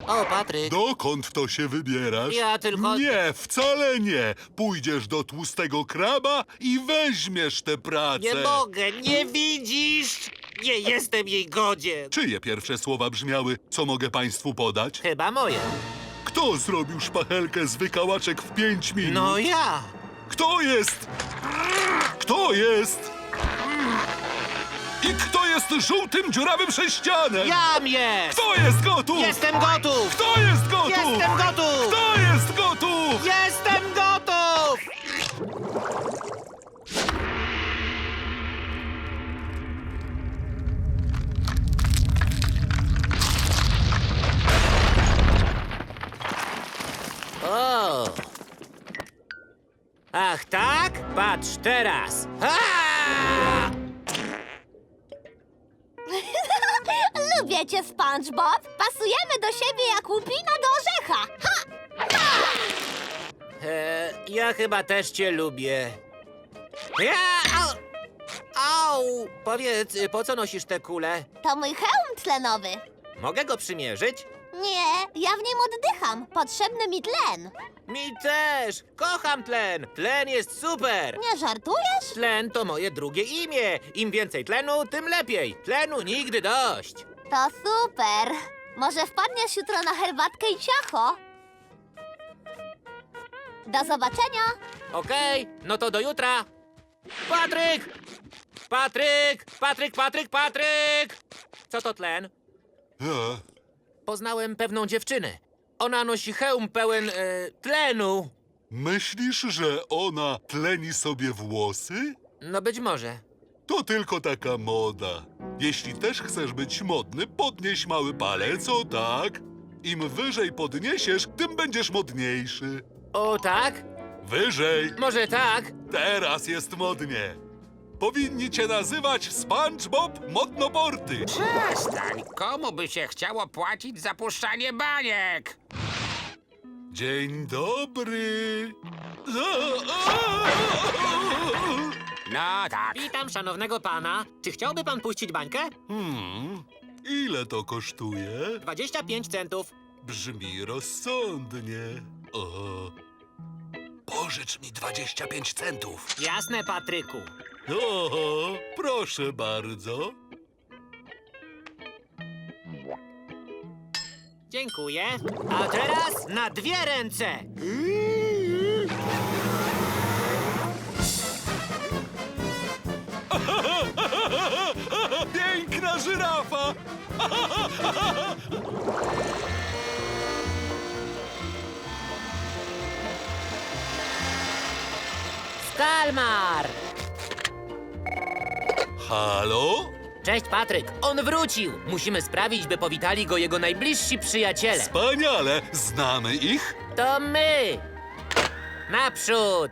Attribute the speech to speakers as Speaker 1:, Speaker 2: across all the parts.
Speaker 1: O, Patryk.
Speaker 2: Dokąd to się wybierasz?
Speaker 1: Ja tylko...
Speaker 2: Nie, wcale nie. Pójdziesz do tłustego kraba i weźmiesz tę pracę.
Speaker 1: Nie mogę, nie widzisz? Nie jestem jej godzien.
Speaker 2: Czyje pierwsze słowa brzmiały, co mogę państwu podać?
Speaker 1: Chyba moje.
Speaker 2: Kto zrobił szpachelkę z wykałaczek w 5 minut?
Speaker 1: No ja.
Speaker 2: Kto jest? Kto jest? I kto jest żółtym, dziurawym sześcianem?
Speaker 1: Jam jest!
Speaker 2: Kto jest gotów?
Speaker 1: Jestem gotów!
Speaker 2: Kto jest gotów?
Speaker 1: Jestem gotów!
Speaker 2: Kto jest gotów?
Speaker 1: Jestem gotów! O! Ach tak? Patrz teraz! Ha!
Speaker 3: Lubię cię, SpongeBob. Pasujemy do siebie jak łupina do orzecha. Ha!
Speaker 1: Ja chyba też cię lubię. Ja! Au! Au! Powiedz, po co nosisz tę kulę?
Speaker 3: To mój hełm tlenowy.
Speaker 1: Mogę go przymierzyć?
Speaker 3: Nie, ja w nim oddycham. Potrzebny mi tlen.
Speaker 1: Mi też! Kocham tlen! Tlen jest super!
Speaker 3: Nie żartujesz?
Speaker 1: Tlen to moje drugie imię. Im więcej tlenu, tym lepiej. Tlenu nigdy dość.
Speaker 3: To super. Może wpadniesz jutro na herbatkę i ciacho? Do zobaczenia.
Speaker 1: Okej, no to do jutra. Patryk! Patryk! Patryk, Patryk, Patryk! Co to tlen? Poznałem pewną dziewczynę. Ona nosi hełm pełen tlenu.
Speaker 2: Myślisz, że ona tleni sobie włosy?
Speaker 1: No być może.
Speaker 2: To tylko taka moda. Jeśli też chcesz być modny, podnieś mały palec, o tak. Im wyżej podniesiesz, tym będziesz modniejszy.
Speaker 1: O tak?
Speaker 2: Wyżej.
Speaker 1: Może tak?
Speaker 2: Teraz jest modnie. Powinni cię nazywać SpongeBob Modnoporty.
Speaker 4: Przestań! Komu by się chciało płacić za puszczanie baniek?
Speaker 2: Dzień dobry.
Speaker 4: No tak.
Speaker 1: Witam szanownego pana. Czy chciałby pan puścić bańkę?
Speaker 2: Ile to kosztuje?
Speaker 1: 25 centów.
Speaker 2: Brzmi rozsądnie. O. Pożycz mi 25 centów.
Speaker 1: Jasne, Patryku.
Speaker 2: Oho, proszę bardzo.
Speaker 1: Dziękuję. A teraz na dwie ręce.
Speaker 2: Piękna żyrafa!
Speaker 1: Skalmar!
Speaker 2: Halo?
Speaker 1: Cześć, Patryk. On wrócił. Musimy sprawić, by powitali go jego najbliżsi przyjaciele.
Speaker 2: Wspaniale! Znamy ich?
Speaker 1: To my! Naprzód!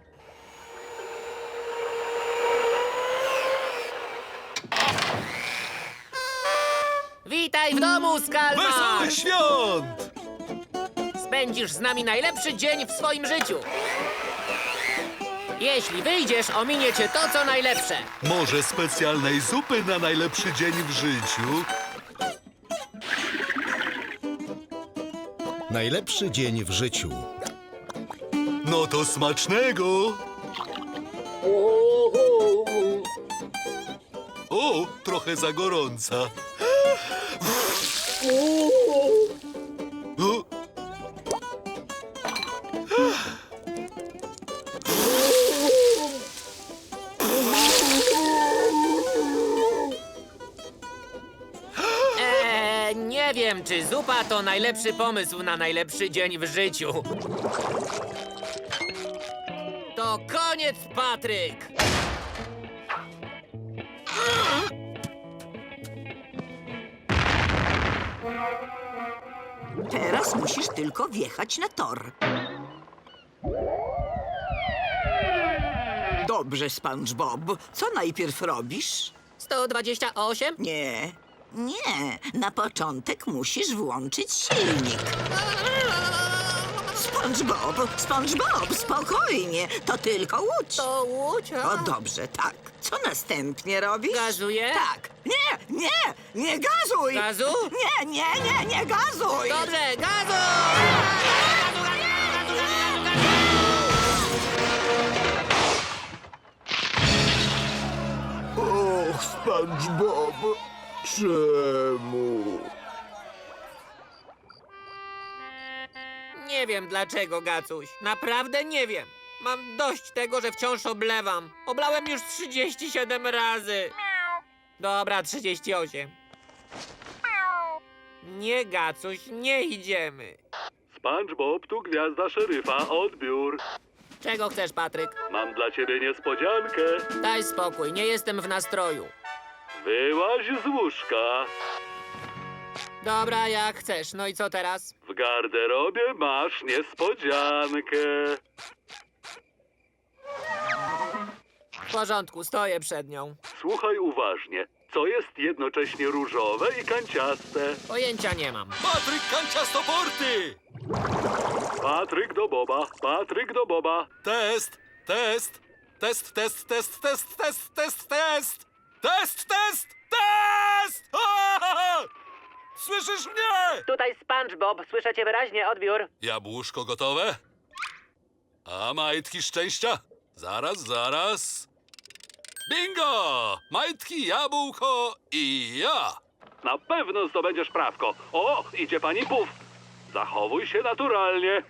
Speaker 1: Witaj w domu, Skalmar!
Speaker 2: Wesołych świąt!
Speaker 1: Spędzisz z nami najlepszy dzień w swoim życiu. Jeśli wyjdziesz, ominie cię to, co najlepsze.
Speaker 2: Może specjalnej zupy na najlepszy dzień w życiu?
Speaker 5: Najlepszy dzień w życiu.
Speaker 2: No to smacznego! O, trochę za gorąca. O.
Speaker 1: Nie wiem, czy zupa to najlepszy pomysł na najlepszy dzień w życiu. To koniec, Patryk!
Speaker 6: Teraz musisz tylko wjechać na tor. Dobrze, SpongeBob. Co najpierw robisz?
Speaker 1: 128?
Speaker 6: Nie, na początek musisz włączyć silnik. SpongeBob, spokojnie. To tylko łódź.
Speaker 1: To łódź,
Speaker 6: O, dobrze, tak. Co następnie robisz?
Speaker 1: Gazuję?
Speaker 6: Tak. Nie gazuj!
Speaker 1: Gazu?
Speaker 6: Nie gazuj!
Speaker 1: Dobrze, gazu!
Speaker 7: Och, SpongeBob, czemu?
Speaker 1: Nie wiem dlaczego, Gacuś. Naprawdę nie wiem. Mam dość tego, że wciąż oblewam. Oblałem już 37 razy. Dobra, 38. Nie, Gacuś, nie idziemy.
Speaker 2: SpongeBob, tu gwiazda szeryfa, odbiór.
Speaker 1: Czego chcesz, Patryk?
Speaker 2: Mam dla ciebie niespodziankę.
Speaker 1: Daj spokój, nie jestem w nastroju.
Speaker 2: Wyłaź z łóżka.
Speaker 1: Dobra, jak chcesz. No i co teraz?
Speaker 2: W garderobie masz niespodziankę.
Speaker 1: W porządku, stoję przed nią.
Speaker 2: Słuchaj uważnie. Co jest jednocześnie różowe i kanciaste?
Speaker 1: Pojęcia nie mam.
Speaker 2: Patryk kanciastoporty! Patryk do Boba, Patryk do Boba. Test, test, test, test, test, test, test, test, test. Test, test, test! Aaaa! Słyszysz mnie?
Speaker 1: Tutaj SpongeBob, słyszę cię wyraźnie, odbiór.
Speaker 2: Jabłuszko gotowe? A majtki szczęścia? Zaraz. Bingo! Majtki, jabłko i ja. Na pewno zdobędziesz prawko. O, idzie pani Puf. Zachowuj się naturalnie.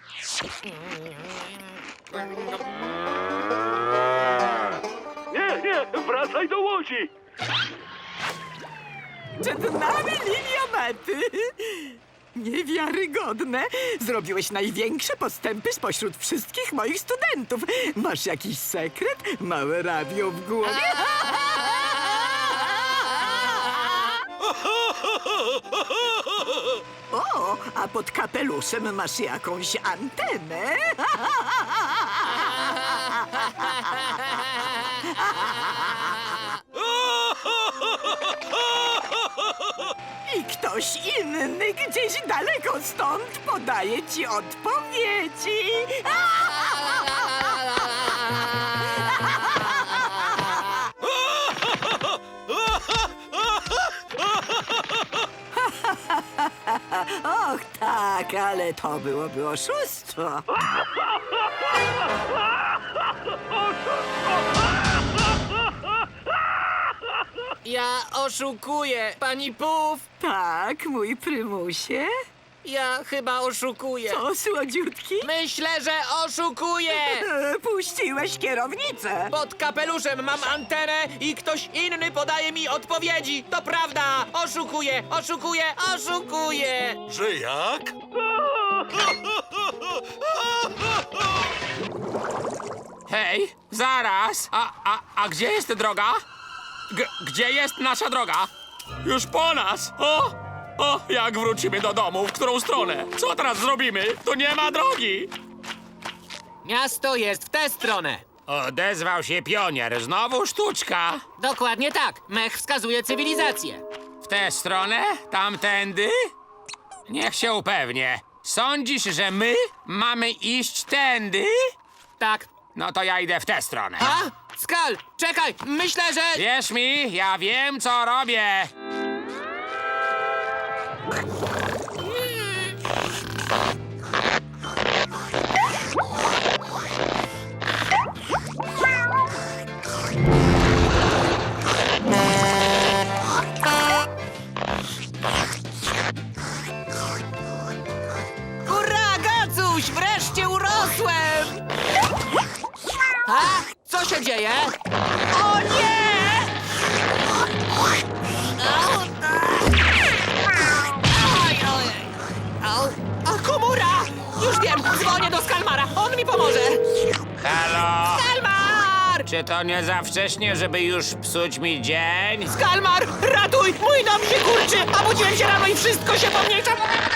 Speaker 2: Nie, wracaj do łodzi.
Speaker 6: Przed nami linia mety. Niewiarygodne. Zrobiłeś największe postępy spośród wszystkich moich studentów. Masz jakiś sekret? Małe radio w głowie? O, a pod kapeluszem masz jakąś antenę? I ktoś inny gdzieś daleko stąd podaje ci odpowiedzi. Och tak, ale to byłoby oszustwo.
Speaker 1: Ja oszukuję, pani Puf.
Speaker 6: Tak, mój prymusie.
Speaker 1: Ja chyba oszukuję.
Speaker 6: Co, słodziutki?
Speaker 1: Myślę, że oszukuję.
Speaker 6: Puściłeś kierownicę.
Speaker 1: Pod kapeluszem mam antenę i ktoś inny podaje mi odpowiedzi. To prawda. Oszukuję.
Speaker 2: Że jak?
Speaker 4: Hej, zaraz! A gdzie jest droga? Gdzie jest nasza droga? Już po nas! O, jak wrócimy do domu? W którą stronę? Co teraz zrobimy? Tu nie ma drogi!
Speaker 1: Miasto jest w tę stronę.
Speaker 4: Odezwał się pionier. Znowu sztuczka.
Speaker 1: Dokładnie tak. Mech wskazuje cywilizację.
Speaker 4: W tę stronę? Tamtędy? Niech się upewnię. Sądzisz, że my mamy iść tędy?
Speaker 1: Tak.
Speaker 4: No to ja idę w tę stronę.
Speaker 1: A? Skal, czekaj. Myślę, że...
Speaker 4: Wierz mi, ja wiem, co robię.
Speaker 1: Hurra, Gacuś! Wreszcie urosłem! A? Co się dzieje? O nie! A komura! Już wiem, dzwonię do Skalmara. On mi pomoże.
Speaker 4: Halo?
Speaker 1: Skalmar!
Speaker 4: Czy to nie za wcześnie, żeby już psuć mi dzień?
Speaker 1: Skalmar! Ratuj! Mój dom się kurczy! A budziłem się rano i wszystko się pomniejsza!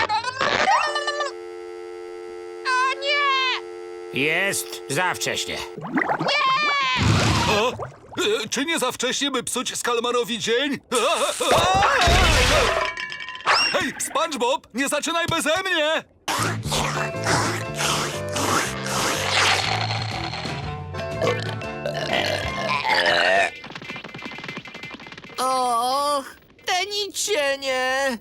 Speaker 1: O nie!
Speaker 4: Jest za wcześnie.
Speaker 2: O? Czy nie za wcześnie, by psuć Skalmarowi dzień? Hej, SpongeBob, nie zaczynaj beze mnie!
Speaker 1: nasienie.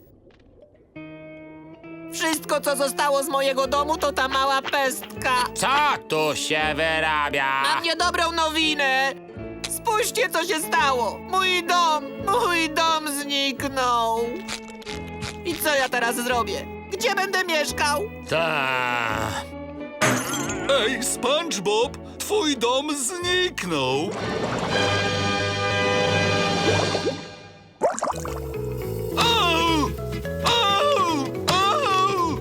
Speaker 1: Wszystko, co zostało z mojego domu, to ta mała pestka.
Speaker 4: Co tu się wyrabia?
Speaker 1: Mam niedobrą nowinę. Spójrzcie, co się stało. Mój dom zniknął. I co ja teraz zrobię? Gdzie będę mieszkał?
Speaker 4: Ta.
Speaker 2: Ej, SpongeBob, twój dom zniknął. Au! Au! Au!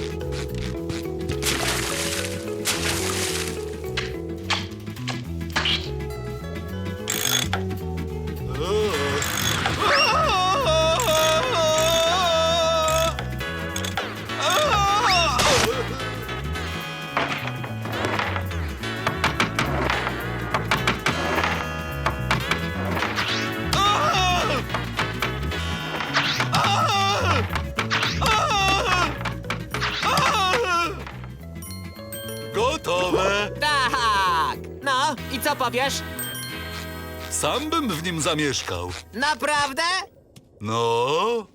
Speaker 2: Gotowe.
Speaker 1: Tak. No, i co powiesz?
Speaker 2: Sam bym w nim zamieszkał.
Speaker 1: Naprawdę?
Speaker 2: No.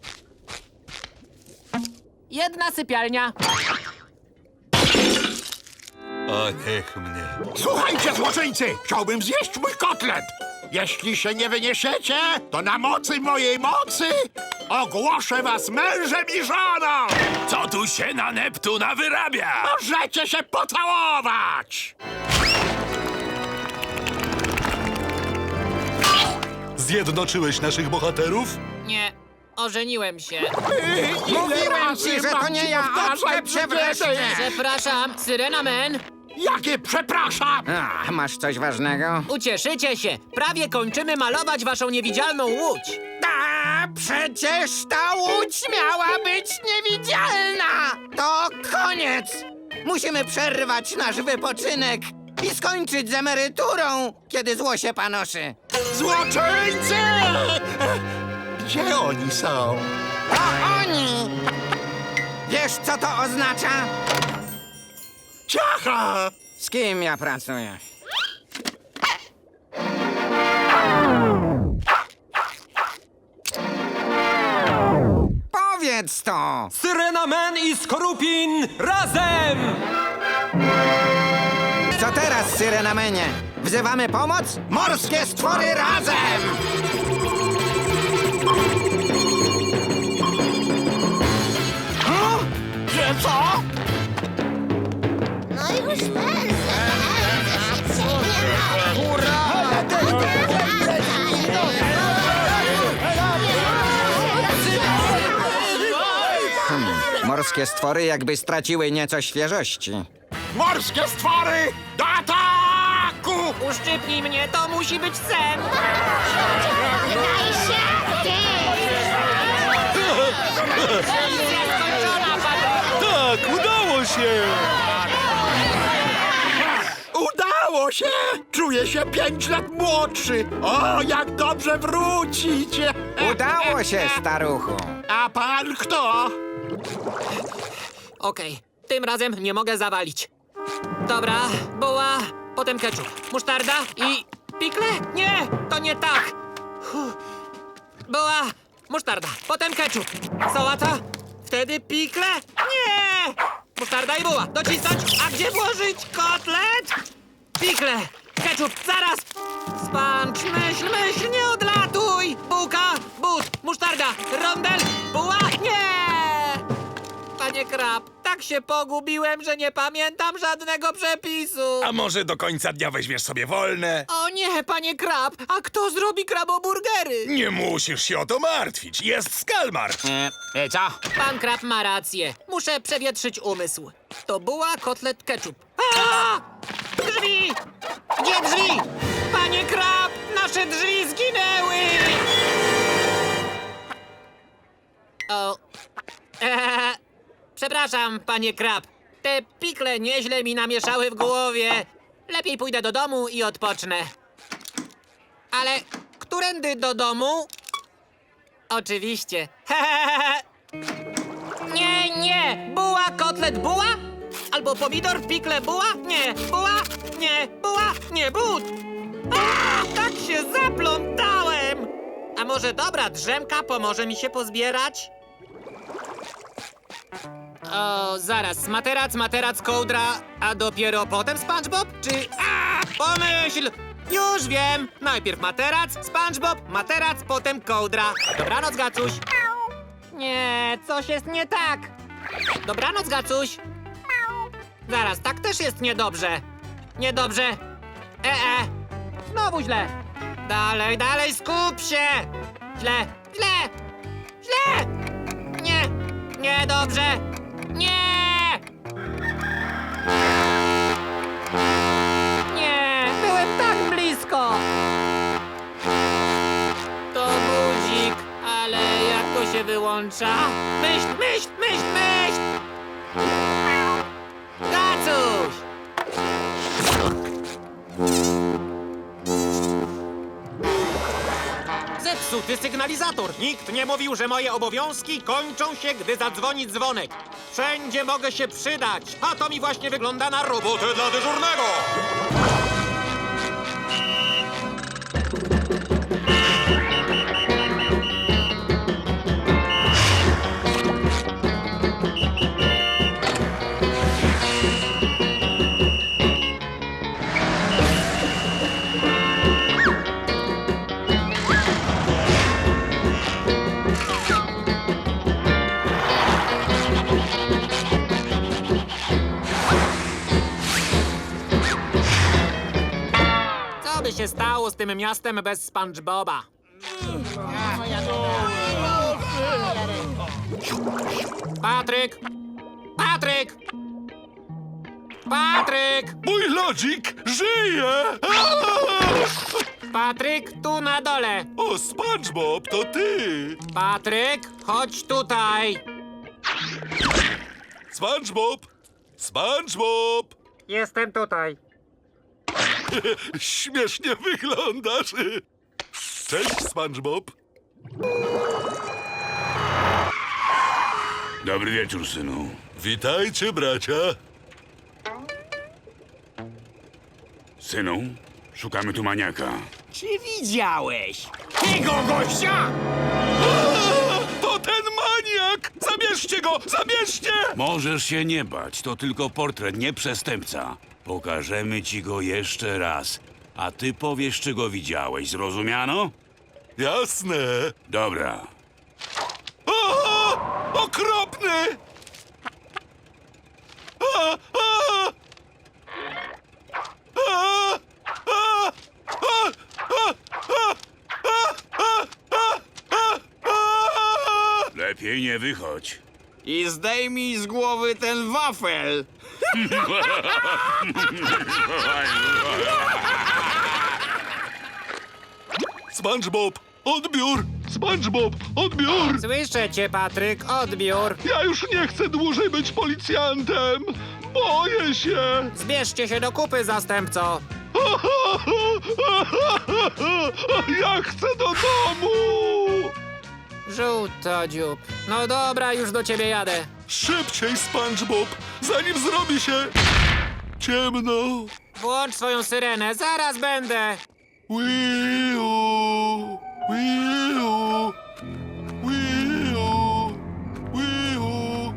Speaker 1: Jedna sypialnia.
Speaker 2: A niech mnie.
Speaker 7: Słuchajcie, złoczyńcy! Chciałbym zjeść mój kotlet! Jeśli się nie wyniesiecie, to na mocy mojej mocy ogłoszę was mężem i żoną!
Speaker 4: Co tu się na Neptuna wyrabia?
Speaker 7: Możecie się pocałować!
Speaker 2: Zjednoczyłeś naszych bohaterów?
Speaker 1: Nie, ożeniłem się.
Speaker 7: Mówiłem ci, że to nie ja, a przewreszcie!
Speaker 1: Przepraszam, Syrena Man.
Speaker 7: Jakie przepraszam!
Speaker 6: A, masz coś ważnego?
Speaker 1: Ucieszycie się. Prawie kończymy malować waszą niewidzialną łódź.
Speaker 6: A, przecież ta łódź miała być niewidzialna! To koniec! Musimy przerwać nasz wypoczynek i skończyć z emeryturą, kiedy zło się panoszy.
Speaker 7: Złoczyńcy! Gdzie oni są?
Speaker 6: To oni! Wiesz, co to oznacza?
Speaker 7: Ciacha!
Speaker 6: Z kim ja pracuję? Powiedz to!
Speaker 1: Syrena Man i Skorupin razem!
Speaker 6: Co teraz, Syrenamenie? Wzywamy pomoc? Morskie stwory razem!
Speaker 7: Że co?
Speaker 3: No już pędzę.
Speaker 6: Morskie stwory jakby straciły nieco świeżości.
Speaker 7: Morskie stwory! Do ataku!
Speaker 1: Uszczypnij mnie, to musi być sen!
Speaker 3: Daj się!
Speaker 1: Misja skończona, panie!
Speaker 2: Tak, udało się!
Speaker 7: Udało się! Czuję się 5 lat młodszy! O, jak dobrze wrócić!
Speaker 6: Udało się, staruchu.
Speaker 7: A pan kto?
Speaker 1: Okej, tym razem nie mogę zawalić. Dobra, buła, potem ketchup, musztarda i... pikle? Nie, to nie tak! Buła, musztarda, potem ketchup. Sałata? Wtedy pikle? Nie! Musztarda i buła, docisnąć. A gdzie włożyć kotlet? Pikle, ketchup, zaraz! Sponge, myśl, nie odlatuj! Bułka, but, musztarda, rondel, buła, nie! Panie Krab, tak się pogubiłem, że nie pamiętam żadnego przepisu.
Speaker 4: A może do końca dnia weźmiesz sobie wolne?
Speaker 1: O nie, panie Krab, a kto zrobi kraboburgery?
Speaker 4: Nie musisz się o to martwić. Jest Skalmar. Co?
Speaker 1: Pan Krab ma rację. Muszę przewietrzyć umysł. To była kotlet ketchup. A! Drzwi! Gdzie drzwi? Panie Krab, nasze drzwi zginęły! O. Przepraszam, panie Krab. Te pikle nieźle mi namieszały w głowie. Lepiej pójdę do domu i odpocznę. Ale którędy do domu? Oczywiście. Nie! Buła, kotlet, buła? Albo pomidor, pikle, buła? Nie, buła, nie, buła, nie, but! A, tak się zaplątałem! A może dobra drzemka pomoże mi się pozbierać? O, zaraz, materac, kołdra, a dopiero potem SpongeBob? Czy... A, pomyśl! Już wiem! Najpierw materac, SpongeBob, materac, potem kołdra. Dobranoc, Gacuś. Nie, coś jest nie tak. Dobranoc, Gacuś. Zaraz, tak też jest niedobrze. Niedobrze. Znowu źle. Dalej, skup się! Źle! Niedobrze! Nie! Byłem tak blisko! To budzik, ale jak to się wyłącza? Myśl! Gacuś! Zepsuty sygnalizator. Nikt nie mówił, że moje obowiązki kończą się, gdy zadzwoni dzwonek. Wszędzie mogę się przydać, a to mi właśnie wygląda na robotę dla dyżurnego. Co by się stało z tym miastem bez SpongeBoba? Patryk!
Speaker 2: Mój lodzik żyje!
Speaker 1: Patryk, tu na dole!
Speaker 2: O, SpongeBob, to ty!
Speaker 1: Patryk, chodź tutaj!
Speaker 2: SpongeBob!
Speaker 1: Jestem tutaj.
Speaker 2: Śmiesznie wyglądasz. Cześć, SpongeBob.
Speaker 8: Dobry wieczór, synu.
Speaker 2: Witajcie, bracia.
Speaker 8: Synu, szukamy tu maniaka.
Speaker 1: Czy widziałeś tego gościa?
Speaker 2: To ten maniak! Zabierzcie go! Zabierzcie!
Speaker 8: Możesz się nie bać, to tylko portret, nie przestępca. Pokażemy ci go jeszcze raz, a ty powiesz, czy go widziałeś, zrozumiano?
Speaker 2: Jasne.
Speaker 8: Dobra.
Speaker 2: Okropny!
Speaker 8: Lepiej nie wychodź.
Speaker 4: I zdejmij z głowy ten wafel.
Speaker 2: SpongeBob, odbiór! SpongeBob, odbiór!
Speaker 1: Słyszę cię, Patryk, odbiór.
Speaker 2: Ja już nie chcę dłużej być policjantem! Boję się!
Speaker 1: Zbierzcie się do kupy, zastępco.
Speaker 2: Ja chcę do domu!
Speaker 1: Żółtodziób. No dobra, już do ciebie jadę.
Speaker 2: Szybciej, SpongeBob, zanim zrobi się ciemno.
Speaker 1: Włącz swoją syrenę, zaraz będę.
Speaker 2: Wiu, wiu, wiu, wiu.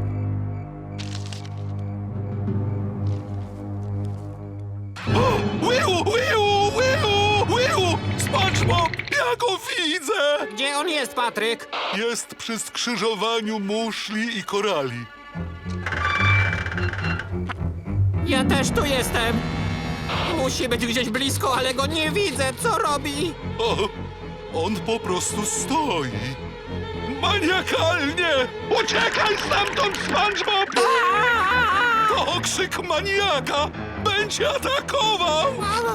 Speaker 2: O, wiu, wiu, wiu, wiu! SpongeBob, ja go widzę!
Speaker 1: Gdzie on jest, Patryk?
Speaker 2: Jest przy skrzyżowaniu muszli i korali.
Speaker 1: Ja też tu jestem. Musi być gdzieś blisko, ale go nie widzę. Co robi?
Speaker 2: O, on po prostu stoi. Maniakalnie! Uciekaj stamtąd, SpongeBob! To okrzyk maniaka! Będzie atakował!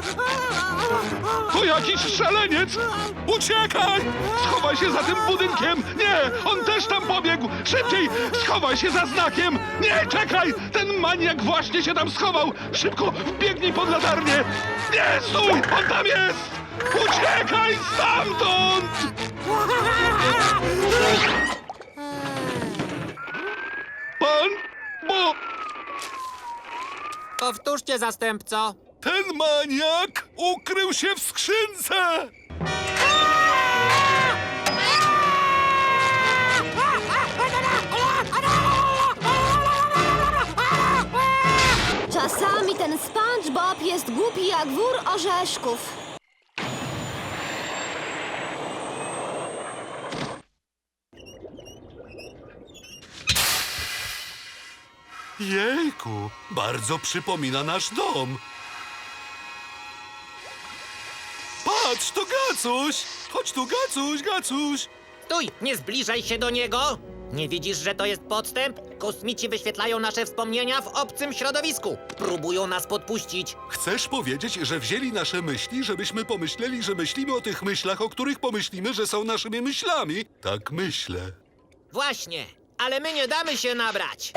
Speaker 2: To jakiś szaleniec! Uciekaj! Schowaj się za tym budynkiem! Nie! On też tam pobiegł! Szybciej! Schowaj się za znakiem! Nie, czekaj! Ten maniak właśnie się tam schował! Szybko, wbiegnij pod latarnię! Nie, stój! On tam jest! Uciekaj stamtąd! Bo
Speaker 1: Powtórzcie, zastępco.
Speaker 2: ten maniak ukrył się w skrzynce!
Speaker 3: SpongeBob jest głupi jak wór orzeszków.
Speaker 2: Jejku, bardzo przypomina nasz dom. Patrz, to Gacuś! Chodź tu, Gacuś, Gacuś!
Speaker 1: Stój, nie zbliżaj się do niego! Nie widzisz, że to jest podstęp? Kosmici wyświetlają nasze wspomnienia w obcym środowisku. Próbują nas podpuścić.
Speaker 2: Chcesz powiedzieć, że wzięli nasze myśli, żebyśmy pomyśleli, że myślimy o tych myślach, o których pomyślimy, że są naszymi myślami? Tak myślę.
Speaker 1: Właśnie, ale my nie damy się nabrać.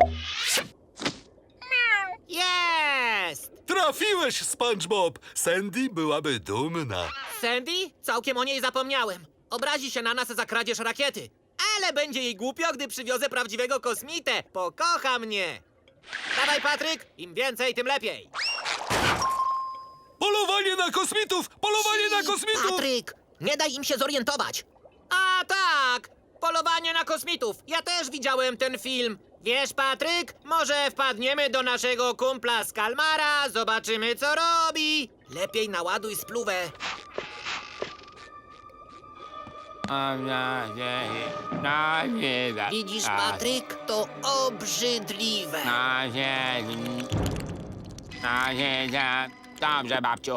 Speaker 1: Jest!
Speaker 2: Trafiłeś, SpongeBob! Sandy byłaby dumna.
Speaker 1: Sandy? Całkiem o niej zapomniałem. Obrazi się na nas za kradzież rakiety. Ale będzie jej głupio, gdy przywiozę prawdziwego kosmitę. Pokocha mnie. Dawaj, Patryk. Im więcej, tym lepiej.
Speaker 2: Polowanie na kosmitów! Polowanie na kosmitów!
Speaker 1: Patryk, nie daj im się zorientować. A tak, polowanie na kosmitów. Ja też widziałem ten film. Wiesz, Patryk, może wpadniemy do naszego kumpla z Kalmara, zobaczymy, co robi. Lepiej naładuj spluwę. Widzisz, Patryk, to obrzydliwe.
Speaker 4: Dobrze, babciu.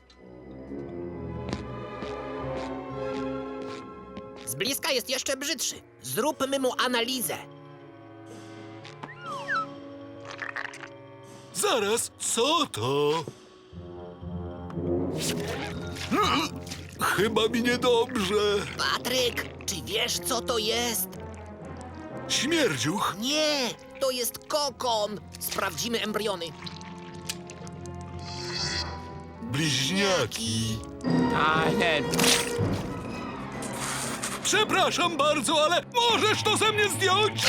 Speaker 1: Z bliska jest jeszcze brzydszy. Zróbmy mu analizę.
Speaker 2: Zaraz, co to? Chyba mi niedobrze.
Speaker 1: Patryk, czy wiesz, co to jest?
Speaker 2: Śmierdziuch.
Speaker 1: Nie, to jest kokon. Sprawdzimy embriony.
Speaker 2: Bliźniaki. Przepraszam bardzo, ale możesz to ze mnie zdjąć?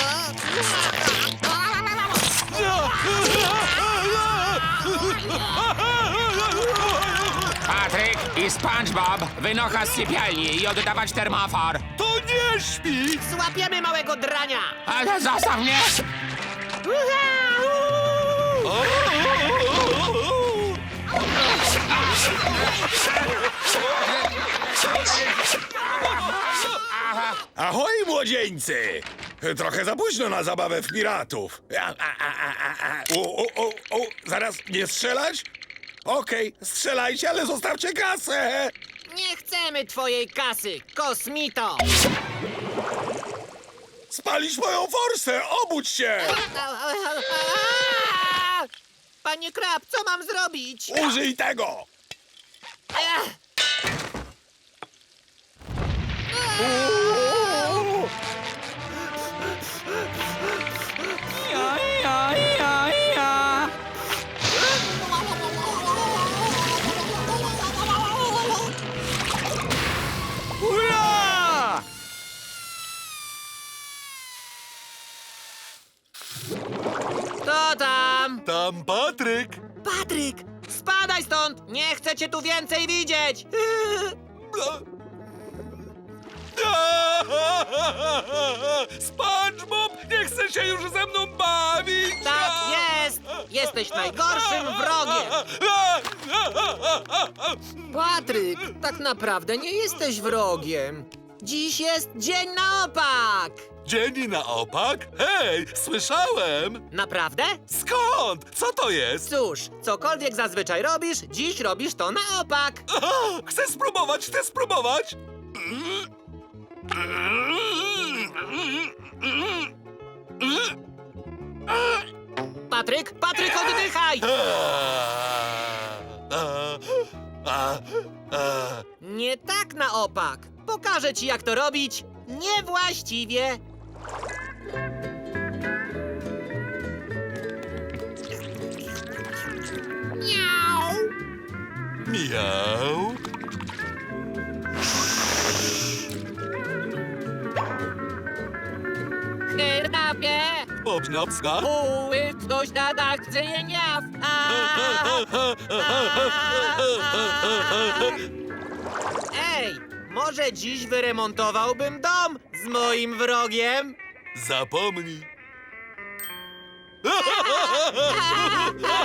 Speaker 4: Patryk i SpongeBob wynocha z sypialni i oddawać termofor.
Speaker 2: To nie śpi!
Speaker 1: Złapiemy małego drania.
Speaker 4: Ale zostaw mnie!
Speaker 7: Ahoj, młodzieńcy! Trochę za późno na zabawę w piratów. Zaraz, nie strzelać? Okej, strzelajcie, ale zostawcie kasę!
Speaker 1: Nie chcemy twojej kasy, kosmito.
Speaker 7: Spalić moją forsę! Obudź się!
Speaker 1: Panie Krab, co mam zrobić?
Speaker 7: Użyj tego!
Speaker 1: Ech.
Speaker 4: Ura!
Speaker 1: Kto tam?
Speaker 2: Tam Patryk.
Speaker 1: Patryk, spadaj stąd! Nie chcę cię tu więcej widzieć!
Speaker 2: SpongeBob nie chce się już ze mną bawić!
Speaker 1: Tak jest! Jesteś najgorszym wrogiem! Patryk, tak naprawdę nie jesteś wrogiem. Dziś jest dzień na opak!
Speaker 2: Dzień na opak? Hej, słyszałem!
Speaker 1: Naprawdę?
Speaker 2: Skąd? Co to jest?
Speaker 1: Cóż, cokolwiek zazwyczaj robisz, dziś robisz to na opak.
Speaker 2: Chcę spróbować, chcę spróbować!
Speaker 1: Patryk, Patryk, oddychaj! Nie tak na opak. Pokażę ci, jak to robić niewłaściwie. Miau!
Speaker 2: Miau.
Speaker 1: Chrapie!
Speaker 2: Obniopska.
Speaker 1: Uływ do śniadachcyniaw! Ej, może dziś wyremontowałbym dom z moim wrogiem?
Speaker 2: Zapomnij.